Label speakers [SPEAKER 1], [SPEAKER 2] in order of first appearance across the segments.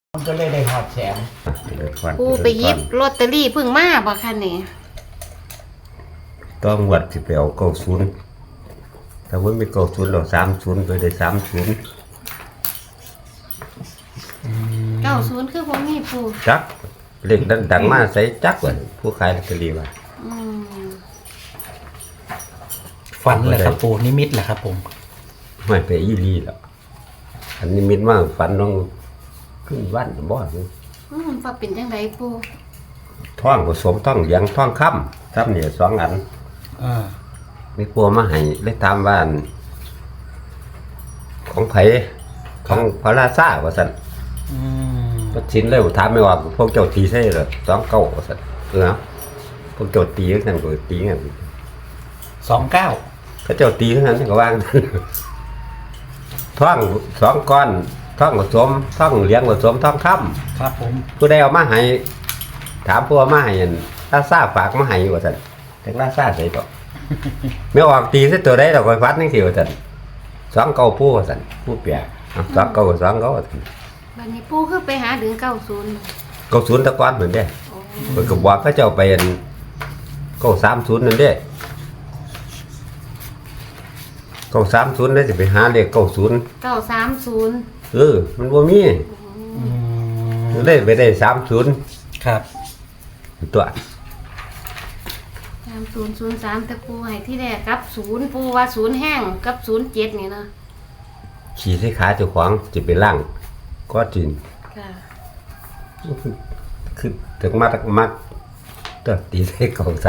[SPEAKER 1] มันก็เลยได้หอดแสน
[SPEAKER 2] ปูไปหยิบลอตเตอรี่เพิ่งมาบ่คะนี่
[SPEAKER 3] ต้องวัดสิไปเอา90ถ้าว่ามี90เรา30ไปได้30
[SPEAKER 2] 90คือบ่มีปู
[SPEAKER 3] จักเลขดังมาใส่จักว่าผู้ขายลอตเตอรี่ว่า
[SPEAKER 2] อืม
[SPEAKER 1] ฝันแหละครับปู่นิมิตแหละครับผม
[SPEAKER 3] ไม่ไปอีหลีแล้วอันนี้มิตมากฝันน้องขึ้นบ้านบ่
[SPEAKER 2] ว่าเป็นจังไดปู
[SPEAKER 3] ท่องผสมท่องเหลียงท่องค่ำครับเนี่ย2 อัน
[SPEAKER 1] อ่า
[SPEAKER 3] มีปัวมาให้เลยตามบ้านของไผของพระราชาว่าซั่น
[SPEAKER 1] อืม
[SPEAKER 3] ก็ชินเลยถามไม่ว่าพวกเจ้าตีใช่เหรอ29ว่าซั่นพวกเจ้าตีกันก็ตีกัน
[SPEAKER 1] 29
[SPEAKER 3] เขาเจ้าตีกันก็ว่าง ท่อง2 ก้อนท่องผสมท่องเหลียงผสมท่องค่ำ
[SPEAKER 1] ครับผม
[SPEAKER 3] ผู้ใดเอามาให้ถามผู้เอามาให้ราชาฝากมาให้ว่าซั่นแต่ราชาใส่ต่อ ไม่ออกตีซะตัวใดดอกไฟฟัดนี่สิว่าซั่น29ผู้ว่าซั่นผู้เปีย29ก็29ว่าซั่น
[SPEAKER 2] บัดนี้ปูคือไปหาถึง90
[SPEAKER 3] 90ตะกอนเหมือนเด้
[SPEAKER 2] โอ้
[SPEAKER 3] เพิ่นก็บอกเขาเจ้าไป930นั่นเด้930ได้สิไปหาเลข90
[SPEAKER 2] 930
[SPEAKER 3] มันบ่มี
[SPEAKER 1] อืม
[SPEAKER 3] เลยไปได้30
[SPEAKER 1] ครับ
[SPEAKER 3] ตัว
[SPEAKER 2] 3003แต่ปูให้ที่แรกกับ0ปูว่า0แห้งกับ07นี่เนาะ
[SPEAKER 3] ขี่ใส่ขาเจ้าของสิไปล้างก็จริง
[SPEAKER 2] ค่ะ
[SPEAKER 3] คือถึงมักตัวตีใส่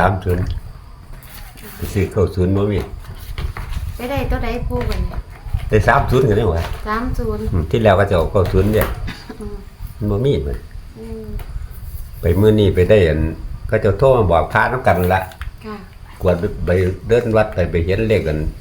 [SPEAKER 3] 930ไปซื้อ90บ่มี
[SPEAKER 2] ไปได้ตัวใดปูบัดนี้
[SPEAKER 3] ได้30กันได้ว่า
[SPEAKER 2] 30
[SPEAKER 3] ที่แล้วก็จะเอา90เด้
[SPEAKER 2] อืม
[SPEAKER 3] มันบ่มีมัน
[SPEAKER 2] อืม
[SPEAKER 3] ไปมื้อนี้ไปได้อันก็จะโทรมาบอกพระนำกันละ
[SPEAKER 2] ค่ะ
[SPEAKER 3] กวดไปเดินวัดไปเห็นเลขกัน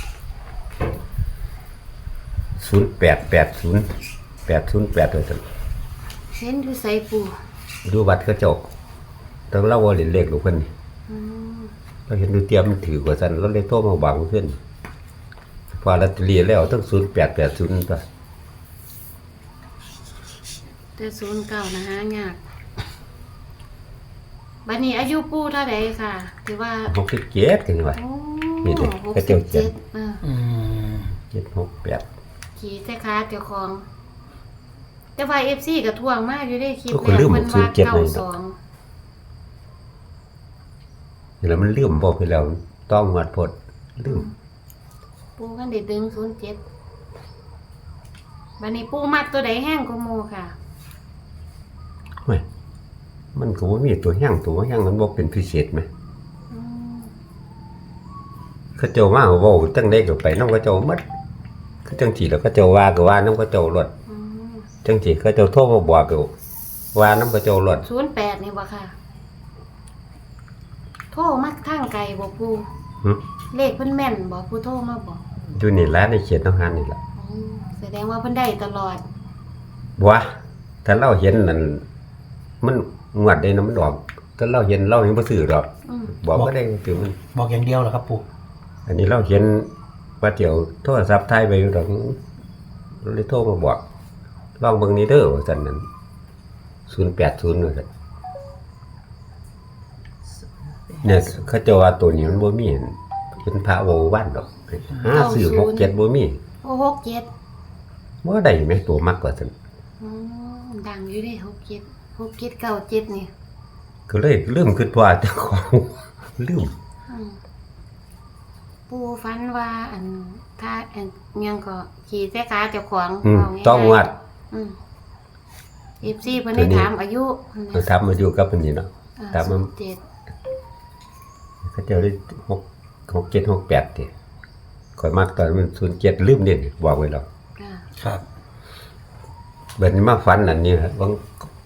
[SPEAKER 3] 0880 808ว่าซั่น
[SPEAKER 2] เห็นอยู่ไสปู
[SPEAKER 3] อยู่วัดเขาเจ้าต้องเล่าว่าเล่นเลขลูกเพิ่นนี่
[SPEAKER 2] อืม
[SPEAKER 3] เราเห็นดูเตรียมมันถือกว่าซั่นเราเลยโทรมาบอกเพิ่นพอลอตเตอรี่แล้วทั้ง0880ตัว
[SPEAKER 2] แต่09นะหายากบัดนี้อายุปูเท่าใดค่ะที่ว่า
[SPEAKER 3] 67กันว่า
[SPEAKER 2] โอ้
[SPEAKER 3] นี่เด้อเขาเจ้าเขียน
[SPEAKER 2] 67
[SPEAKER 1] อืม
[SPEAKER 3] 768
[SPEAKER 2] ขี่แต่ขาเจ้าของ แต่ว่า FC ก็ทวงมากอยู่ได้คลิป
[SPEAKER 3] ก็คือลืม
[SPEAKER 2] เพิ่นว่า
[SPEAKER 3] 07เลยนะ
[SPEAKER 2] 92
[SPEAKER 3] แล้วมันลืมบอกไปแล้วต้องวัดพดลืม
[SPEAKER 2] ปูกันได้ดึง07บัดนี้ปูมักตัวใดแห้งกว่าหมู่ค่ะ
[SPEAKER 3] เฮ้ยมันก็บ่มีตัวแห้งตัวบ่แห้งมันบ่เป็นพิเศษไหม
[SPEAKER 2] อืม
[SPEAKER 3] เขาเจ้ามาก็เว้าจังได๋ก็ไปนำเขาเจ้าหมดคือจังซี่แล้วเขาเจ้าว่าก็ว่านำเขาเจ้ารถ
[SPEAKER 2] อืม
[SPEAKER 3] จังซี่เขาเจ้าโทรมาบอกก็ว่านํเขาเจ้ารถ
[SPEAKER 2] 08นี่บ่ค่ะ โทรมักทางไกลบ่ปู
[SPEAKER 3] หึ
[SPEAKER 2] เลขเพิ่นแม่นบ่ผู้โทรมาบอก
[SPEAKER 3] อยู่นี่ล่ะในเขตทหารนี่ล่ะ
[SPEAKER 2] อืมแสดงว่าเพิ่นได้ตลอด
[SPEAKER 3] บ่วะถ้าเราเห็นนั่นมันงวดได้นะมันออกถ้าเราเห็นเรายังบ่ซื้อดอก
[SPEAKER 2] อืม
[SPEAKER 3] บอกบ่ได้คือมัน
[SPEAKER 1] บอกอย่างเดียวเหรอครับปู่
[SPEAKER 3] อันนี้เราเห็นว่าเดี๋ยวโทรศัพท์ถ่ายไปอยู่ดอกเราเลยโทรมาบอกลองเบิ่งนี้เด้อว่าซั่นนั้น080ว่าซั่นเนี่ยเขาเจ้าว่าตัวนี้มันบ่มีเป็นพระโววันดอกหาซื้อ67บ่มี
[SPEAKER 2] โอ้67
[SPEAKER 3] บ่ได้แม่ตัวมักกว่าซั่น
[SPEAKER 2] อืมดังอยู่เด้6797นี่
[SPEAKER 3] ก็เลยลืมคิดว่าเจ้าของ ลืม
[SPEAKER 2] อืมปูฝันว่าอันถ้าอันยังก็ขี่แต่ขาเจ้าของ
[SPEAKER 3] อืม
[SPEAKER 2] เาง่ายๆ
[SPEAKER 3] ต้องวัด
[SPEAKER 2] อืม FC เพิ่นได้ถามอายุ
[SPEAKER 3] เราทำมาอยู่กับอันนี้เนาะ ถามมัน
[SPEAKER 2] 17
[SPEAKER 3] เขาเจ้าได้6768ติข่อยมักตอนมัน07ลืมเด่นบอกไว้แล้ว
[SPEAKER 2] ค่ะ
[SPEAKER 1] ครับ
[SPEAKER 3] เบิดนี้มาฝันอันนี้ครับบาง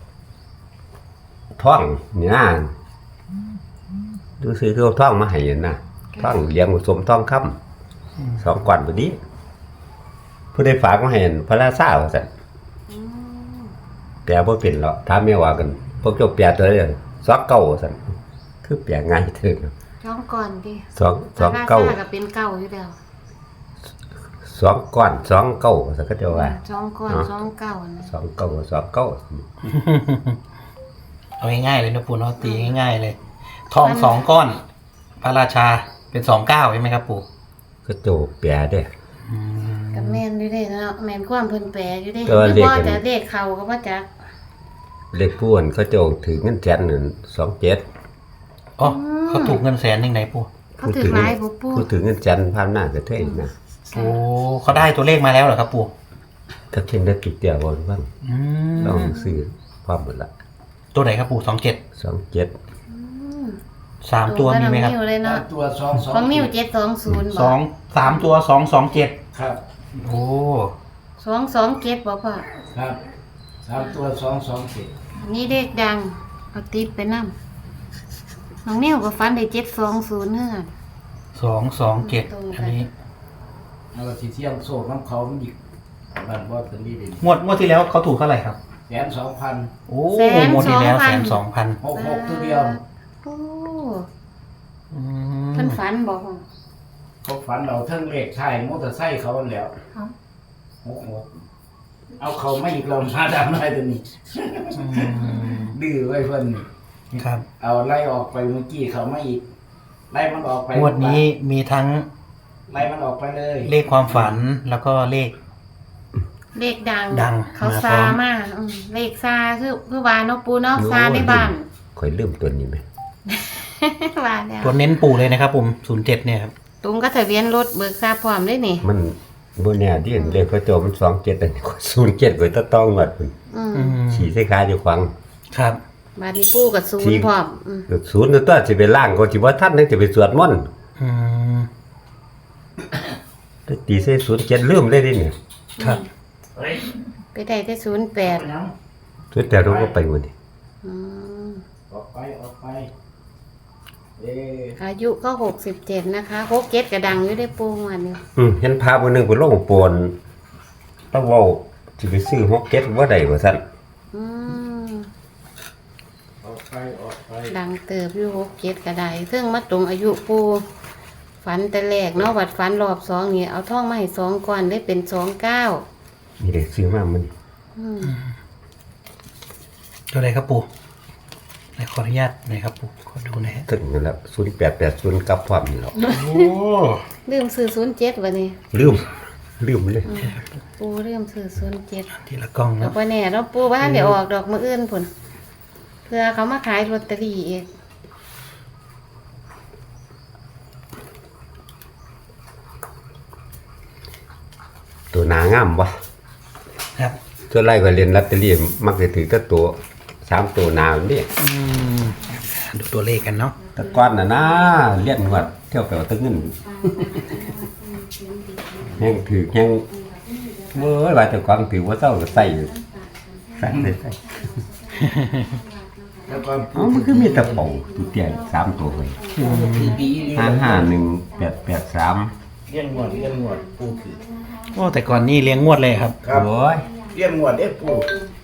[SPEAKER 3] ท่องนี่นะดูซื้อเขาท่องมาให้นะท่องเลี้ยงผสมท่องค่ำ2 ก้อนพอดีผู้ใดฝากมาให้พระราชาว่าซั่น
[SPEAKER 2] อืม
[SPEAKER 3] แปลบ่เป็นหรอกถามแม่ว่ากันพวกเจ้าแปลตัวใด29ว่าซั่นคือแปลง่ายเถิด
[SPEAKER 2] ท้องก่อนดิ
[SPEAKER 3] 2
[SPEAKER 2] พระราชา
[SPEAKER 3] 29
[SPEAKER 2] ก็เป็นเก่าอยู่แล้ว
[SPEAKER 3] 2ก้อน2เก้าสักก็จะว่า
[SPEAKER 2] 2ก้อน2เก้านะ
[SPEAKER 3] 2เก้า2เก้า
[SPEAKER 1] เอาง่ายๆเลยนะปู่เนาะตีง่ายๆเลย ทอง2ก้อน พระราชาเป็น29ใช่ไหมครับปู่
[SPEAKER 3] ก็โจแปรเด้
[SPEAKER 1] อืม
[SPEAKER 2] ก็แม่นอยู่เด้เนาะแม่นความเพิ่นแปลอยู่เด้
[SPEAKER 3] แต่ว่าเลข
[SPEAKER 2] บ่จะเลขเข้าก็บ่จัก
[SPEAKER 3] เลขผู้คนเขาโจถือเงินแสนนั่น27
[SPEAKER 1] อ๋อเขาถูกเงินแสนยังไงปู่
[SPEAKER 2] เขาถือหลายบ่ปู่
[SPEAKER 3] ผู้ถือเงินแสนพามหน้ากระเทยนะ
[SPEAKER 1] โอ้เขาได้ตัวเลขมาแล้วเหรอครับปู่
[SPEAKER 3] ถ้าเช่นได้ติดเดียวบ่บ้าง
[SPEAKER 1] อืม
[SPEAKER 3] ต้องซื้อพร้อมหมดละ
[SPEAKER 1] ตัวไหนครับปู่27
[SPEAKER 3] 27
[SPEAKER 2] อืม
[SPEAKER 1] 3ตัวมีไหมครับ
[SPEAKER 2] ตงกับน้องนิ้วเลยเนาะ
[SPEAKER 4] ตัวสองสอง
[SPEAKER 2] ของนิ้ว720บ่
[SPEAKER 1] 3ตัว227
[SPEAKER 4] ครับ
[SPEAKER 1] โอ้
[SPEAKER 2] 227บ่พ่อ
[SPEAKER 4] ครับ3ตัว227
[SPEAKER 2] นี่เลขดังเอาติดไปนำน้องนิ้วก็ฝันได้720เฮือน
[SPEAKER 1] 227อันนี้
[SPEAKER 4] แล้วก็สิเที่ยงโซ่น้ำเขามันอีกบ้านบ่ถึงนี่เด้
[SPEAKER 1] งวดที่แล้วเขาถูกเท่าไหร่ครับ
[SPEAKER 4] 102,000
[SPEAKER 1] โอ้งวดที่แล้ว102,000
[SPEAKER 4] 66ตัวเดียว
[SPEAKER 2] โอ้
[SPEAKER 1] อื
[SPEAKER 2] เพิ่น
[SPEAKER 1] ม
[SPEAKER 2] ฝันบ่พ่อ
[SPEAKER 4] เขาฝันเราเทิงเลขใช่มอเตอร์ไซค์เขาอันแล้ว
[SPEAKER 2] เอ้า
[SPEAKER 4] 66เอาเขาไม่อีกเรามาดำได้ตัวนี้ ดื้อไว้เพิ่นนี่
[SPEAKER 1] ครับ
[SPEAKER 4] เอาไล่ออกไปเมื่อกี้เขาไม่อีกไล่มันออกไป
[SPEAKER 1] งวดนี้มีทั้ง
[SPEAKER 4] ไล่มันออกไปเลย
[SPEAKER 1] เลขความฝันแล้วก็เลข
[SPEAKER 2] เลขดัง
[SPEAKER 1] ดัง
[SPEAKER 2] เขา
[SPEAKER 1] มาพร้
[SPEAKER 2] ซา
[SPEAKER 1] อม
[SPEAKER 2] มาเลขซาคือว่าเนาะปูเนาะซาในบ้าน
[SPEAKER 3] ข่อยลืมตัวนี้ไหม
[SPEAKER 2] ว่าแล้ว
[SPEAKER 1] ตัวเน้นปู่เลยนะครับผม07เนี่ยครับ
[SPEAKER 2] ตรงก็ทะเบียนรถเบิกทราบพร้อมด้วยนี่
[SPEAKER 3] มันบ่แน่ดิเลขเขาโจมัน27อันนี้ก็07ก็ต้องหมดพุ่น
[SPEAKER 2] อืม
[SPEAKER 1] อืม
[SPEAKER 3] ขี่ใส่ขาอยู่ขวาง
[SPEAKER 1] ครับ
[SPEAKER 2] บาดนี้ปูกับศูน
[SPEAKER 3] ที่
[SPEAKER 2] ย์พร้อมอืม
[SPEAKER 3] ศูนย์ตัวสิไปล่างก็สิบ่ทันนึงสิไปสวดมนต์
[SPEAKER 1] อืม
[SPEAKER 3] แต่ตีใส่07ลืมเลยดิเนี่ย
[SPEAKER 1] ครับ
[SPEAKER 4] เฮ้ย
[SPEAKER 2] ไปได้แต่08
[SPEAKER 4] เอาหยัง
[SPEAKER 3] สุดแต่เราก็ไปหมดนี่
[SPEAKER 2] อืม
[SPEAKER 4] ออกไปเอ
[SPEAKER 2] อายุก็67นะคะ67กระดังอยู่ได้ปูวันนี้
[SPEAKER 3] เห็นภาพมื้อนึงเพิ่นลงโปนแล้วเว้าสิไปซื้อ6เก็ตบ่ได้ว่าซั่น
[SPEAKER 2] อืม
[SPEAKER 4] ออกไป
[SPEAKER 2] ดังเติบอยู่67กระไดซึ่งมาตรงอายุปูฝันแต่แรกเนาะวัดฝันรอบ2นี่เอาทองมาให้2ก้อนได้เป็น29
[SPEAKER 3] นี่ได้ซื้อมามัน
[SPEAKER 2] อืม
[SPEAKER 1] ตัวไหนครับปู่ไหนขออนุญาตหน่อยครับปู่ขอดูหน่อยฮะ
[SPEAKER 3] ถึงนั่นแหละ0880กับพร้อมนี่แหละ
[SPEAKER 1] โอ้
[SPEAKER 2] ลืมซื้อ07วันนี้
[SPEAKER 3] ลืมเลย
[SPEAKER 2] ปูลืมซื้อ07
[SPEAKER 1] ทีละกล้อง
[SPEAKER 2] ดอ
[SPEAKER 1] นะ
[SPEAKER 2] กว่าแน่เราะปูบ้านเดี๋ยวออกดอกมืออื่นผลเพื่อเขามาขายลอตเตอรี่อีก
[SPEAKER 3] ตัวหนางามบ่
[SPEAKER 1] ครับ
[SPEAKER 3] ส่วนไรก็เรียนลอตเตอรี่มักจะถือแต่ตัว3ตัวหนานี่
[SPEAKER 1] อืมดูตัวเลขกันเนาะ
[SPEAKER 3] แต่ก่อนน่ะนะเรียนงวดเที่ยวไปเอาแตะเงินยังถือยังเว้ยว่าแต่ความถือว่าเจ้าก็ใส่อยู่ใส่
[SPEAKER 4] แล้วก็
[SPEAKER 3] เอ้ามันคือมีแตะเป่าตัวเตี้ย3ตัวเลย
[SPEAKER 4] คือปีนี้
[SPEAKER 3] 551883
[SPEAKER 4] เลี้ยงงวดปูคือ
[SPEAKER 1] โอ้แต่ก่อนนี่เลี้ยงงวดเลยครับ
[SPEAKER 4] ครับ
[SPEAKER 3] โอ้ย
[SPEAKER 4] เลี้ยงงวดเด้ปู